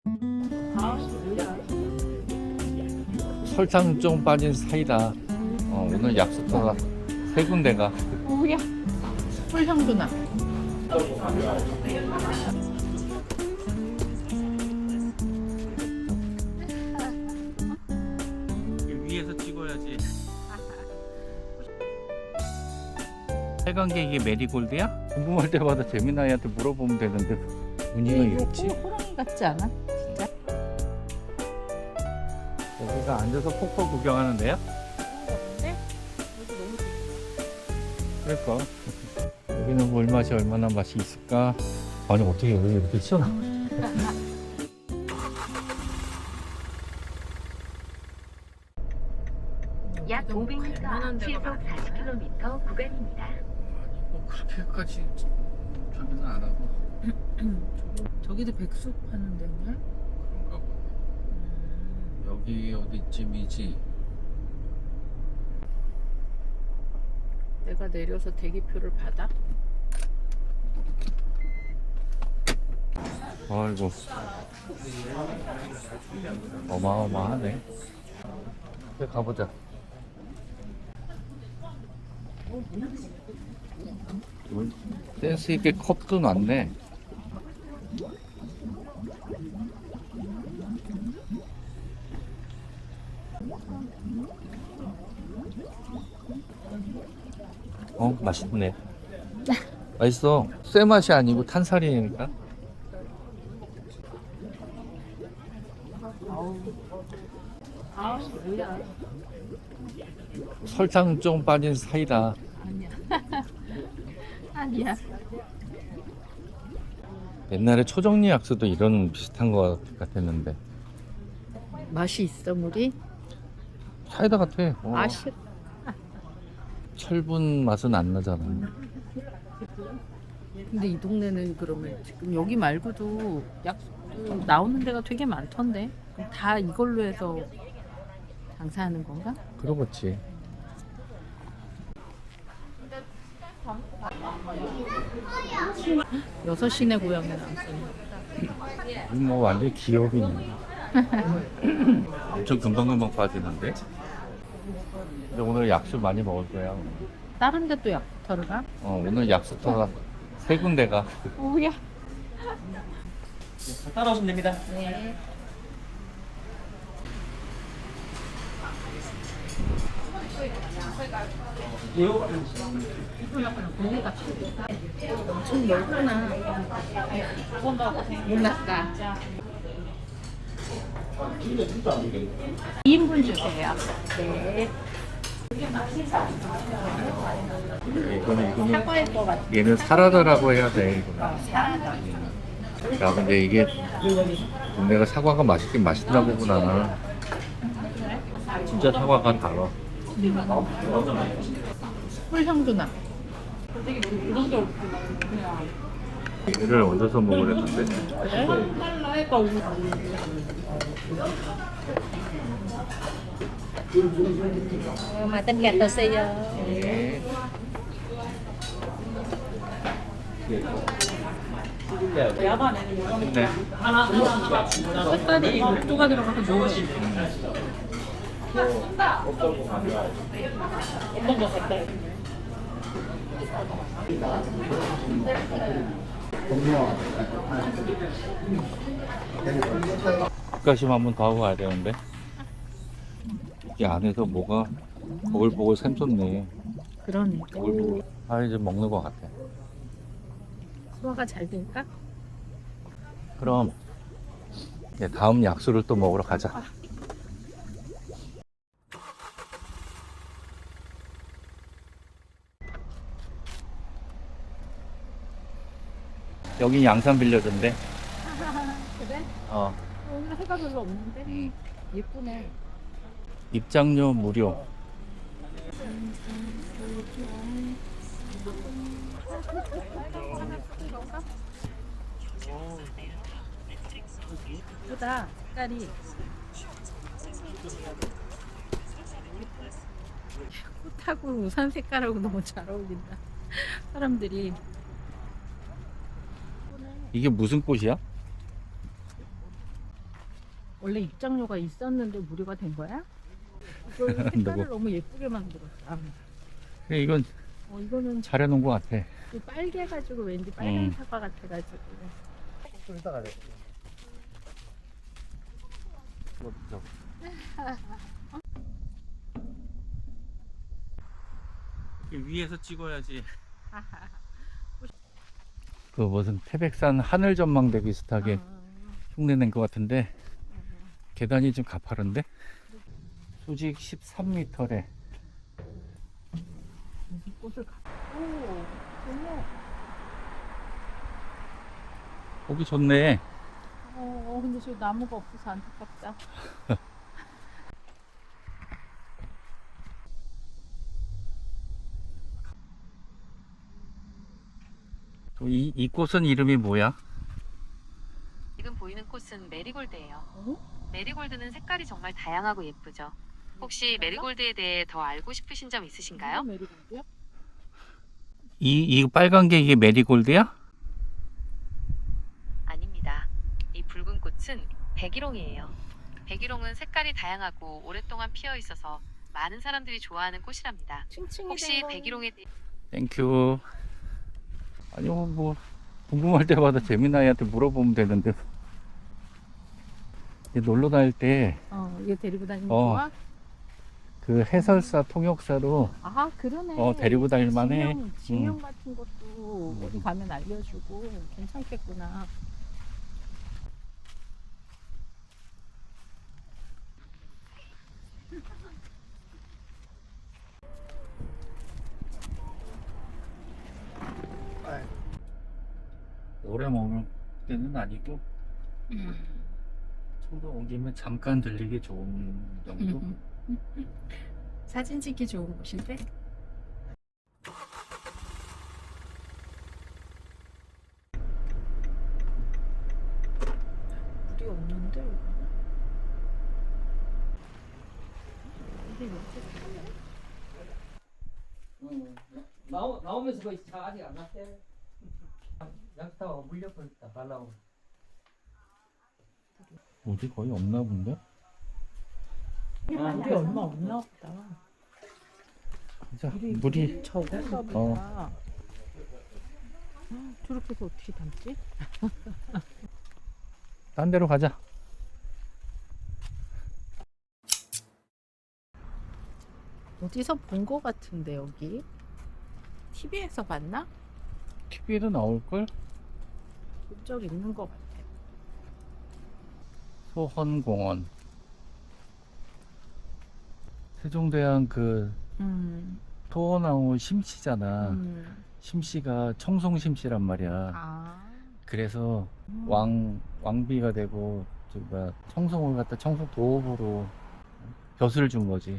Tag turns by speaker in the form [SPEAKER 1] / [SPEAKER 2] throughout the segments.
[SPEAKER 1] 설탕 좀 빠진 사이다. 오늘 약수터가 세 군데가.
[SPEAKER 2] 오야, 꿀향도 나.
[SPEAKER 1] 위에서 찍어야지. 빨간게 이게 메리골드야? 궁금할 때마다 재민아이한테 물어보면 되는데 무늬가 이렇지?
[SPEAKER 2] 호랑이 같지 않아? 진짜?
[SPEAKER 1] 여기가 앉아서 폭포 구경하는데요?
[SPEAKER 2] 근데 여기 너무
[SPEAKER 1] 그러니까 여기는 물맛이 얼마나 맛이 있을까? 아니 어떻게 여기 이렇게 시원하?
[SPEAKER 3] 약 500m, 시속 40km 구간입니다.
[SPEAKER 1] 뭐 그렇게까지 저기는 안 하고
[SPEAKER 2] 저기도 백숙 파는 데인가?
[SPEAKER 1] 그런가 봐. 여기 어디쯤이지?
[SPEAKER 2] 내가 내려서 대기표를 받아?
[SPEAKER 1] 아이고 어마어마하네. 그래 가보자. 센스 있게 컵도 놨네. 맛있네. 맛있어. 쇠 맛이 아니고 탄살이니까.
[SPEAKER 2] 뭐야?
[SPEAKER 1] 설탕 좀 빠진 사이다.
[SPEAKER 2] 아니야. 아니야.
[SPEAKER 1] 옛날에 초정리 약수도 이런 비슷한 거 같았는데
[SPEAKER 2] 맛이 있어 물이?
[SPEAKER 1] 사이다 같아.
[SPEAKER 2] 아쉽.
[SPEAKER 1] 철분 맛은 안 나잖아.
[SPEAKER 2] 근데 이 동네는 그러면 지금 여기 말고도 약 나오는 데가 되게 많던데. 그럼 다 이걸로 해서 장사하는 건가?
[SPEAKER 1] 그러겠지.
[SPEAKER 2] 여섯 시내 고향에 나왔어요.
[SPEAKER 1] 뭐 완전 기업이네. 엄청 금방금방 빠지는데. 근데 오늘 약수 많이 먹을 거야.
[SPEAKER 2] 다른 데 또 약부터를 가?
[SPEAKER 1] 오늘 약수터가 세 군데가.
[SPEAKER 2] 오야.
[SPEAKER 4] 따라오시면 됩니다.
[SPEAKER 2] 네. 엄청 넓구나. 몰랐다. 2인분 주세요. 네.
[SPEAKER 1] 이거는
[SPEAKER 2] 사과일 것 같아.
[SPEAKER 1] 얘는 사라다라고 해야 돼. 이거는.
[SPEAKER 2] 사라다.
[SPEAKER 1] 야 근데 이게 내가 사과가 맛있긴 맛있나 보구나. 진짜 사과가 달아.
[SPEAKER 2] 꿀향도 나.
[SPEAKER 1] 얘를 얹어서 먹으랬는데.
[SPEAKER 3] Mà tên gạch tờ xì
[SPEAKER 1] 네. 네.
[SPEAKER 2] 색깔이 녹두가 들어가서 좋아.
[SPEAKER 1] 뒷가심 한번 더 하고 가야 되는데. 이 안에서 뭐가 보글보글 샘솟네.
[SPEAKER 2] 그러니까.
[SPEAKER 1] 보글보글. 이제 먹는 것 같아.
[SPEAKER 2] 소화가 잘 될까?
[SPEAKER 1] 그럼 이제 다음 약수를 또 먹으러 가자. 여긴 양산 빌려준대.
[SPEAKER 2] 그래?
[SPEAKER 1] 어.
[SPEAKER 2] 오늘 해가 별로 없는데? 예쁘네.
[SPEAKER 1] 입장료 무료.
[SPEAKER 2] 예쁘다. 색깔이. 꽃하고 우산 색깔하고 너무 잘 어울린다. 사람들이.
[SPEAKER 1] 이게 무슨 꽃이야?
[SPEAKER 2] 원래 입장료가 있었는데 무료가 된 거야? 이거 색깔을 너무 예쁘게 만들었다.
[SPEAKER 1] 그래, 이건
[SPEAKER 2] 이거는
[SPEAKER 1] 잘해놓은 것 같아.
[SPEAKER 2] 또 빨개가지고 왠지 빨간 사과 같아가지고.
[SPEAKER 1] 위에서 찍어야지. 그 무슨 태백산 하늘 전망대 비슷하게 흉내낸 것 같은데 계단이 좀 가파른데? 수직 13m래.
[SPEAKER 2] 꽃을 너무.
[SPEAKER 1] 보기 좋네.
[SPEAKER 2] 근데 저기 나무가 없어서 안타깝다.
[SPEAKER 1] 또 이 꽃은 이름이 뭐야?
[SPEAKER 4] 지금 보이는 꽃은 메리골드예요. 메리골드는 색깔이 정말 다양하고 예쁘죠. 혹시 메리골드에 대해 더 알고 싶으신 점 있으신가요?
[SPEAKER 2] 메리골드야?
[SPEAKER 1] 이 빨간 게 이게 메리골드야?
[SPEAKER 4] 아닙니다. 이 붉은 꽃은 백일홍이에요. 백일홍은 색깔이 다양하고 오랫동안 피어 있어서 많은 사람들이 좋아하는 꽃이랍니다.
[SPEAKER 2] 칭칭이
[SPEAKER 4] 혹시 백일홍에 대해
[SPEAKER 1] 땡큐. 아니 뭐 궁금할 때마다 재민아이한테 물어보면 되는데. 놀러 다닐 때
[SPEAKER 2] 이거 데리고 다니면
[SPEAKER 1] 어.
[SPEAKER 2] 좋아?
[SPEAKER 1] 그 해설사 통역사로
[SPEAKER 2] 그러네.
[SPEAKER 1] 데리고 다닐 만해.
[SPEAKER 2] 지명 같은 것도 어디 가면 알려주고 괜찮겠구나.
[SPEAKER 1] 오래 먹을 때는 아니고 청도 온 김에 잠깐 들리기 좋은 정도?
[SPEAKER 2] 사진 찍기 좋은 곳인데? 물이 없는데 여기는? 근데 여기
[SPEAKER 5] 나오면서 거의 차 아직 안 났대. 양타가 물려버렸다. 발라고.
[SPEAKER 1] 어디 거의 없나 본데?
[SPEAKER 2] 물이 얼마 없나 보다.
[SPEAKER 1] 진짜 물이
[SPEAKER 2] 적은가 보다. 저렇게 해서 어떻게 담지?
[SPEAKER 1] 딴 데로 가자.
[SPEAKER 2] 어디서 본 거 같은데 여기? TV에서 봤나?
[SPEAKER 1] TV에도 나올걸?
[SPEAKER 2] 본 적 있는 거 같아.
[SPEAKER 1] 소헌공원. 세종대왕 그 토어나무 심씨잖아. 심씨가 청송심씨란 말이야. 그래서 왕비가 되고 청송을 갖다 청송 도읍으로 벼슬을 준 거지.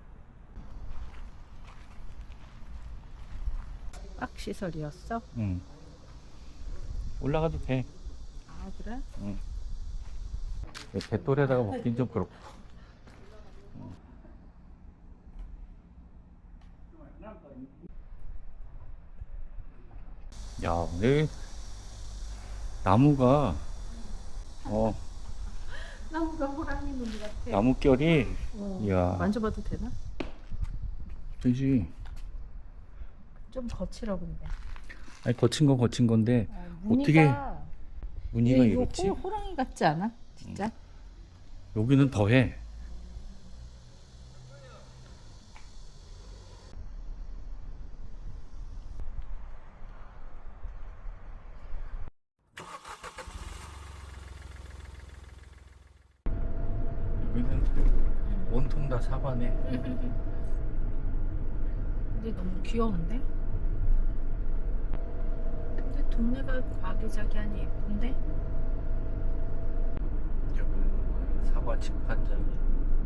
[SPEAKER 2] 빡 시설이었어?
[SPEAKER 1] 응. 올라가도 돼.
[SPEAKER 2] 그래?
[SPEAKER 1] 응. 뱃돌에다가 먹긴 좀 그렇고. 야, 근데 나무가
[SPEAKER 2] 나무가 호랑이 눈 같아.
[SPEAKER 1] 나뭇결이 이야.
[SPEAKER 2] 만져봐도 되나?
[SPEAKER 1] 되지.
[SPEAKER 2] 좀 거칠어 근데.
[SPEAKER 1] 아니 거친 건 거친 건데
[SPEAKER 2] 무늬가,
[SPEAKER 1] 무늬가
[SPEAKER 2] 이거
[SPEAKER 1] 이렇지?
[SPEAKER 2] 호랑이 같지 않아? 진짜?
[SPEAKER 1] 여기는 더해. 여기는 온통 다 사과네.
[SPEAKER 2] 근데 너무 귀여운데? 근데 동네가 아기자기하니 예쁜데?
[SPEAKER 1] 여기는 사과 집판장이.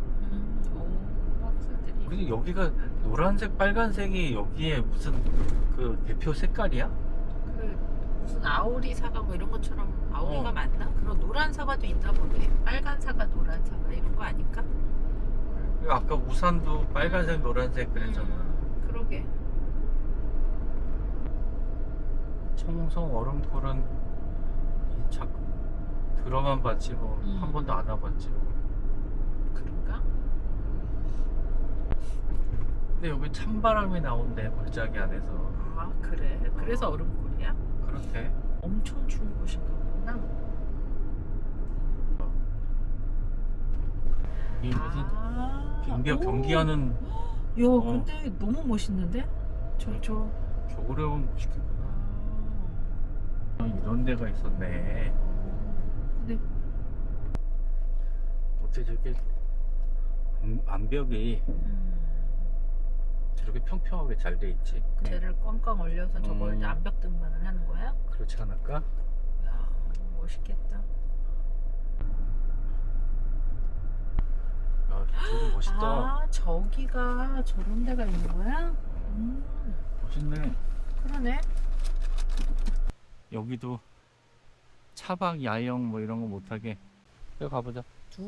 [SPEAKER 2] 박사들이.
[SPEAKER 1] 근데 여기가 노란색, 빨간색이 여기에 무슨 그 대표 색깔이야?
[SPEAKER 2] 그 무슨 아오리 사과 뭐 이런 것처럼 아오리가
[SPEAKER 1] 어.
[SPEAKER 2] 맞나? 그런 노란 사과도 있나 보네. 빨간 사과, 노란 사과 이런 거 아닐까?
[SPEAKER 1] 아까 우산도 빨간색, 노란색 그랬잖아.
[SPEAKER 2] 그러게.
[SPEAKER 1] 청송 얼음굴은 들어만 봤지 뭐 한 번도 안 와봤지.
[SPEAKER 2] 그런가?
[SPEAKER 1] 근데 여기 찬바람이 나온대 골짜기 안에서.
[SPEAKER 2] 아 그래? 그래서 얼음골이야?
[SPEAKER 1] 그렇대.
[SPEAKER 2] 엄청 추운 곳인가 보구나.
[SPEAKER 1] 이 무슨 빙벽
[SPEAKER 2] 오.
[SPEAKER 1] 경기하는
[SPEAKER 2] 야 근데 너무 멋있는데? 저
[SPEAKER 1] 겨울에 오면 멋있겠구나. 이런 데가 있었네.
[SPEAKER 2] 근데
[SPEAKER 1] 어떻게 저렇게 암벽이 저렇게 평평하게 잘 돼 있지?
[SPEAKER 2] 쟤를 꽝꽝 얼려서 저걸 이제
[SPEAKER 1] 음.
[SPEAKER 2] 암벽 등반을 하는 거야?
[SPEAKER 1] 그렇지 않을까?
[SPEAKER 2] 야 멋있겠다.
[SPEAKER 1] 야, 저기 멋있다.
[SPEAKER 2] 아 저기가 저런 데가 있는 거야?
[SPEAKER 1] 멋있네.
[SPEAKER 2] 그러네.
[SPEAKER 1] 여기도 차박 야영 뭐 이런 거 못하게. 여기 가보자.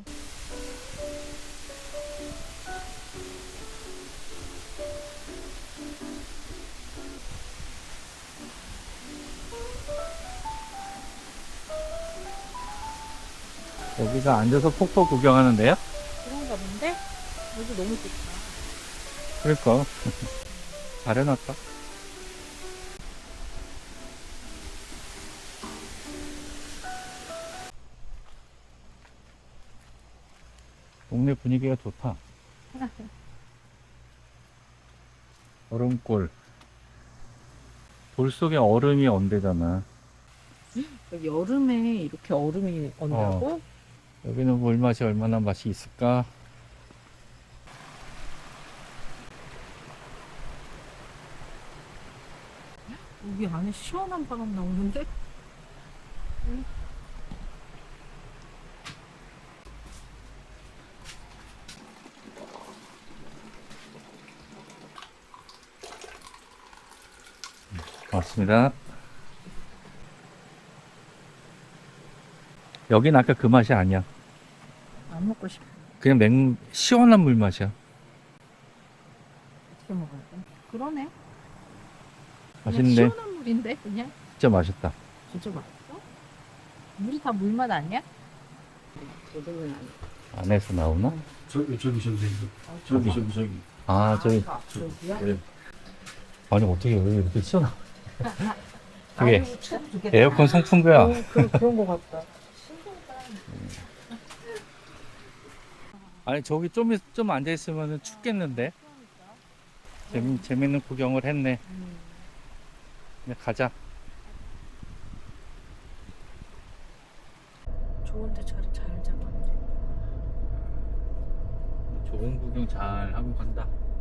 [SPEAKER 1] 여기가 앉아서 폭포 구경하는 데야?
[SPEAKER 2] 그런가 본데? 여기 너무 좋다.
[SPEAKER 1] 그러니까 잘 해놨다. 동네 분위기가 좋다. 얼음골. 돌 속에 얼음이 언대잖아.
[SPEAKER 2] 여름에 이렇게 얼음이 언다고?
[SPEAKER 1] 여기는 물맛이 얼마나 맛이 있을까?
[SPEAKER 2] 여기 안에 시원한 바람 나오는데?
[SPEAKER 1] 맞습니다. 여긴 아까 그 맛이 아니야.
[SPEAKER 2] 안 먹고 싶어.
[SPEAKER 1] 그냥 시원한 물 맛이야.
[SPEAKER 2] 어떻게 먹어야 돼? 그러네. 그냥
[SPEAKER 1] 맛있네.
[SPEAKER 2] 시원한 물인데 그냥?
[SPEAKER 1] 진짜 맛있다.
[SPEAKER 2] 진짜 맛있어? 물이 다 물맛 아니야? 도둑은 아니야.
[SPEAKER 1] 안에서 나오나?
[SPEAKER 6] 저기 저기
[SPEAKER 1] 아, 저기.
[SPEAKER 2] 저기야?
[SPEAKER 6] 네.
[SPEAKER 1] 아니, 어떻게 여기 이렇게 시원하? 되게 에어컨 송풍 거야.
[SPEAKER 2] 그런 거 같다.
[SPEAKER 1] 아니, 저기 좀 앉아있으면 춥겠는데? 재밌는 구경을 했네. 그냥 가자.
[SPEAKER 2] 좋은데 자리 잘 잡았네.
[SPEAKER 1] 좋은 구경 잘 하고 간다.